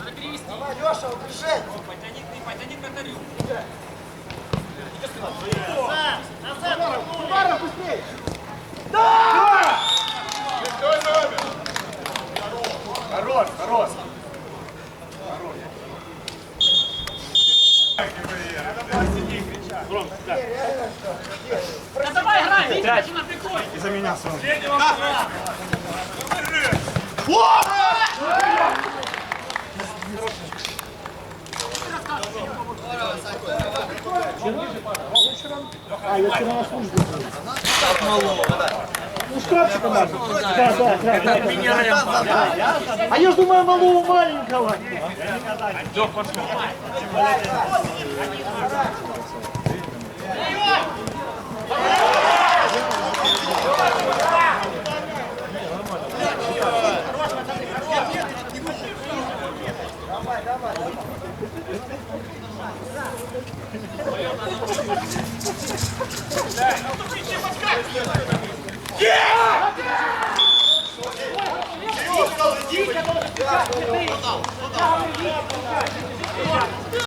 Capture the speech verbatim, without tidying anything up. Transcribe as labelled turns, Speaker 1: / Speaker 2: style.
Speaker 1: Заберись.
Speaker 2: Давай, Леша, убежи.
Speaker 1: Потяни, потяни к вратарю.
Speaker 2: Ударом быстрее.
Speaker 3: Да! Шестой номер. Хорош, хорош.
Speaker 1: Да давай играй, Витя, Дима, прикрой.
Speaker 3: Из-за меня сразу.
Speaker 2: А, я вчера на службе был. Ну, шкафчиком надо. Да, да, да, да, да. А я ж думаю, малого маленького. Давай, давай, давай.